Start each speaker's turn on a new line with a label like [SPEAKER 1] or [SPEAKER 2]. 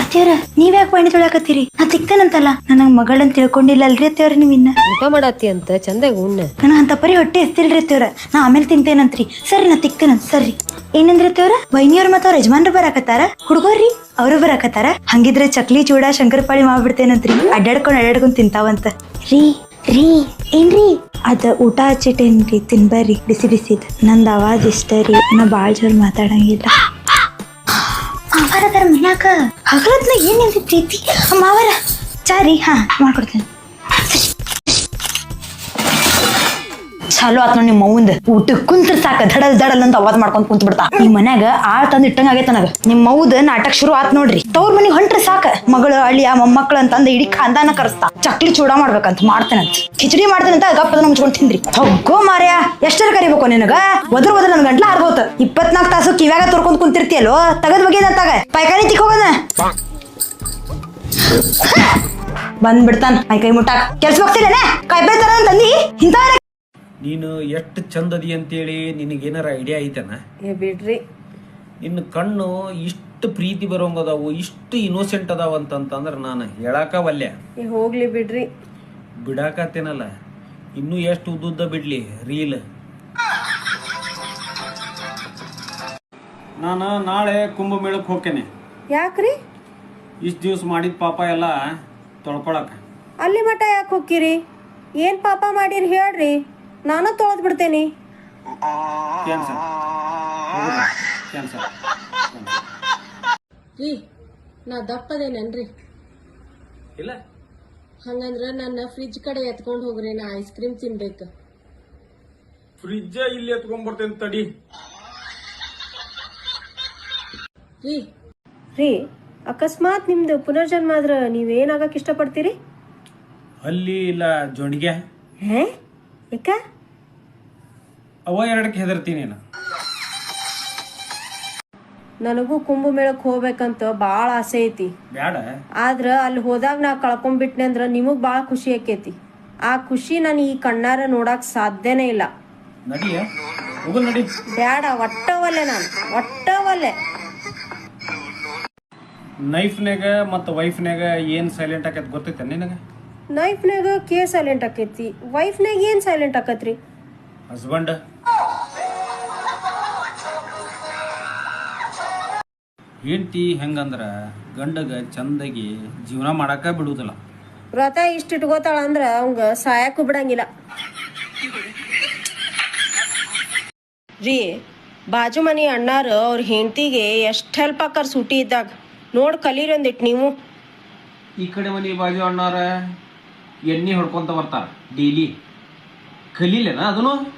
[SPEAKER 1] ಅತ್ತಿಯವ್ರ ನೀವ್ ಯಾಕೆ ಬಾಣಿ ತೊಳಕತ್ತೀರಿ? ನಾ ತಿಕ್ತೇನಂತಲ್ಲ ನನಗ್ ಮಗಳಂತ ತಿಳ್ಕೊಂಡಿಲ್ಲಲ್ರಿ ಅತ್ತಿಯವ್ರ ನೀವ್ ಇನ್ನ
[SPEAKER 2] ಊಟ ಮಾಡತ್ತಿ ಅಂತ ಚಂದಾಗ ಉಣ್ಣ.
[SPEAKER 1] ನನಗ ಅಂತ ಪರಿ ಹೊಟ್ಟೆ ಎಸ್ತಿಲ್ರಿ ಅತ್ತಿಯವ್ರ. ನಾ ಆಮೇಲೆ ತಿಂತೇನಂತ್ರಿ. ಸರಿ ನಾ ತಿಕ್ತೇನಂತ ಸರ್ರಿ. ಏನಂದ್ರಿ ಅತ್ತಿಯವ್ರ? ವೈನಿಯವ್ರ ಮತ್ತ ಅವ್ರ ಯಜಮಾನ್ರು ಬರಾಕತ್ತಾರ, ಹುಡುಗರ್ರಿ ಅವ್ರು ಬರಾಕತ್ತಾರ. ಹಂಗಿದ್ರೆ ಚಕ್ಲಿ ಚೂಡ ಶಂಕರಪಾಳಿ ಮಾಡ್ಬಿಡ್ತೇನಂತ್ರಿ. ಅಡ್ಡಾಡ್ಕೊಂಡ್ ತಿಂತಾವಂತ. ರೀ ರೀ ಏನ್ರಿ ಅದ ಊಟ ಹಚ್ಚಿಟ್ಟೇನ್ರಿ, ತಿನ್ಬರ್ರಿ ಬಿಸಿ ಬಿಸಿದ್. ನಂದ್ ಅವಾಜ್ ಇಷ್ಟ ರೀ, ನಾ ಬಾಳ್ ಜೋರ್ ಮಾತಾಡಂಗಿಲ್ಲ. ಮಾವರ ಮನ್ಯಾಕ ಹಗಲತ್ನ ಏನ್ ನಿಂತೈತಿ ಮಾವರ? ಚಾರಿ ಹಾ ಮಾಡ್ಕೊಡ್ತೇನೆ. ಚಾಲು ಆತ್ ನೋಡಿ ನಿಮ್ಮ ಮೌಂದ್ ಊಟ ಕುಂತ್ರ ಸಾಕ ದಡಲ್ ದಡಲ್ ಅಂತ ಅವಾಜ್ ಮಾಡ್ಕೊಂಡ್ ಕುಂತ್ ಬಿಡ್ತಾ. ಈ ಮನ್ಯಾಗ ಆಳ್ ತಂದ್ ಇಟ್ಟಂಗ ಆಗೈತ ನನಗ. ನಿಮ್ ಮೌದ್ ನಾಟಕ ಶುರು ಆತ್ ನೋಡ್ರಿ. ತವ್ರ ಮನಿಗ್ ಹೊಂಟ್ರ ಸಾಕ ಮಗಳು ಅಳಿಯ ಮೊಮ್ಮಕ್ಳು ಅಂತಂದ ಇಡೀ ಖಾನ್ದಾನ ಕರೆಸ್ತಾ. ಚಕ್ಲಿ ಚೂಡ ಮಾಡ್ಬೇಕಂತ ಮಾಡ್ತೇನಂತ, ಕಿಚಡಿ ಮಾಡ್ತೇನಂತ ಗಪ್ಪದ ಮುಚ್ಕೊಂಡ್ ತಿಂದ್ರಿ. ಹೋಗೋ ಮಾರ್ಯ, ಎಷ್ಟರ ಕರಿಬೇಕು ನಿನಗ? ಒದ್ರ ನನ್ ಗಂಟ್ಲ ಆರ್ಬೋತ. 24 ತಾಸು ಕಿವ್ಯಾಗ ತೋರ್ಕೊಂಡ್ ಕುಂತಿರ್ತಿಯಲ್ಲೋ, ತಗದ್ ಬಗೆದಂತಾಗ ಪೈಕಾನಿ ತಿಕ್ಕೋಗದ ಬಂದ್ಬಿಡ್ತಾನ ಮೈ ಕೈ ಮುಟ್ಟಾಕ. ಕೆಲ್ಸ ಹೋಗ್ತಿಲ್ಲೇನೆ ಕಾಯ್ಬೇಳೆ ತರ ತಂದಿ ಇಂತ.
[SPEAKER 3] ನೀನು ಎಷ್ಟು ಚಂದದಿ ಅಂತೇಳಿ ನಿನಗೇನಾರ ಐಡಿಯಾ ಐತೆನ?
[SPEAKER 2] ಬಿಡ್ರಿ,
[SPEAKER 3] ನಿನ್ನ ಕಣ್ಣು ಇಷ್ಟು ಪ್ರೀತಿ ಬರೋಂಗದಾವು, ಇಷ್ಟು ಇನ್ನೋಸೆಂಟ್ ಅದಾವ ಅಂತಂದ್ರೆ ನಾನು ಹೇಳಾಕ ವಲ್ಯ.
[SPEAKER 2] ಹೋಗ್ಲಿ ಬಿಡ್ರಿ.
[SPEAKER 3] ಬಿಡಾಕತ್ತೇನಲ್ಲ, ಇನ್ನೂ ಎಷ್ಟು ಉದ್ದುದ್ದ ಬಿಡ್ಲಿ ರೀಲ್. ನಾನು ನಾಳೆ ಕುಂಭಮೇಳಕ್ಕೆ ಹೋಗ್ತೇನೆ.
[SPEAKER 2] ಯಾಕ್ರಿ?
[SPEAKER 3] ಇಷ್ಟು ದಿವ್ಸ ಮಾಡಿದ ಪಾಪ ಎಲ್ಲ ತೊಳ್ಕೊಳಕ.
[SPEAKER 2] ಅಲ್ಲಿ ಮಠ ಯಾಕೆ ಹೋಗ್ತೀರಿ? ಏನ್ ಪಾಪ ಮಾಡಿರಿ ಹೇಳ್ರಿ, ನಾನು ತೊಳೆದ್ ಬಿಡ್ತೇನಿ.
[SPEAKER 3] Cancel cancel.
[SPEAKER 2] ರೀ, ನಾ ದಪ್ಪದೇನೇನ್ರಿ?
[SPEAKER 3] ಇಲ್ಲ
[SPEAKER 2] ಹಂಗಂದ್ರ ನನ್ನ ಫ್ರಿಜ್ ಕಡೆ ಎತ್ಕೊಂಡ್ ಹೋಗ್ರಿ, ನಾ ಐಸ್ ಕ್ರೀಮ್ ತಿನ್ಬೇಕು.
[SPEAKER 3] ಫ್ರಿಜ್ಜ ಇಲ್ಲಿ ಎತ್ಕೊಂಡ್ಬರ್ತೇನೆ ತಡಿ.
[SPEAKER 2] ರೀ ಅಕಸ್ಮಾತ್ ನಿಮ್ದು ಪುನರ್ಜನ್ಮ ಆದ್ರ ನೀವೇನಾಗಕ್ ಇಷ್ಟಪಡ್ತೀರಿ?
[SPEAKER 3] ಅಲ್ಲಿ ಇಲ್ಲ ಜೊಂಡಿಗೆ
[SPEAKER 2] ಯಾಕ?
[SPEAKER 3] ಅವ ಎರಡಕ್ಕೆ ಹೆದರ್ತೀನಿ ನಾನು.
[SPEAKER 2] ನನಗೂ ಕುಂಭಮೇಳಕ್ ಹೋಗ್ಬೇಕಂತ ಬಾಳ ಆಸೆ ಐತಿ.
[SPEAKER 3] ಬ್ಯಾಡ,
[SPEAKER 2] ಆದ್ರ ಅಲ್ಲಿ ಹೋದಾಗ ನಾ ಕಳ್ಕೊಂಡ್ಬಿಟ್ನೆ ಅಂದ್ರ ನಿಮಗ್ ಬಾಳ ಖುಷಿ ಆಕೇತಿ. ಆ ಖುಷಿ ನಾನು ಈ ಕಣ್ಣಾರ ನೋಡಕ್ ಸಾಧ್ಯನೇ ಇಲ್ಲ.
[SPEAKER 3] ನಡಿಯ ಹೋಗಲ್ ನಡಿ.
[SPEAKER 2] ಬ್ಯಾಡ, ಒಟ್ಟವಲ್ಲೆ ನಾನು, ಒಟ್ಟವಲ್ಲೆ.
[SPEAKER 3] ನೈಫ್ನಾಗ ಮತ್ತು ವೈಫ್ನಾಗ ಏನ್ ಸೈಲೆಂಟ್ ಆಕೈತಿ ಗೊತ್ತೈತೆ ನಿನಗ?
[SPEAKER 2] ನೈಫ್ನಾಗ ಕೇ ಸೈಲೆಂಟ್ ಆಕೈತಿ, ವೈಫ್ನಾಗ ಏನ್ ಸೈಲೆಂಟ್ ಆಕತ್ರಿ?
[SPEAKER 3] ಹಸ್ಬೆಂಡ್ ಹೆಂಡತಿ ಹೆಂಗಂದ್ರ ಗಂಡಗ ಚಂದಾಗಿ ಜೀವನ ಮಾಡಾಕ ಬಿಡುವುದಿಲ್ಲ.
[SPEAKER 2] ವ್ರತ ಇಷ್ಟ ಇಟ್ಕೋತಾಳ ಅಂದ್ರ ಅವಂಗ ಸಾಯಕ್ಕೂ ಬಿಡಂಗಿಲ್ಲ. ರೀ, ಬಾಜು ಮನಿ ಅಣ್ಣಾರು ಅವ್ರ ಹೆಂಡತಿಗೆ ಎಷ್ಟ್ ಹೆಲ್ಪ್ ಆಕಾರ ಸೂಟಿ ಇದ್ದಾಗ. ನೋಡ್ ಕಲೀರಿ ಒಂದಿಟ್ ನೀವು.
[SPEAKER 3] ಈ ಕಡೆ ಮನಿ ಬಾಜು ಅಣ್ಣಾರ ಎಣ್ಣೆ ಹೊಡ್ಕೊಂತ ಬರ್ತಾರ ಡೈಲಿ. ಕಲೀಲೇನ ಅದನ್ನು?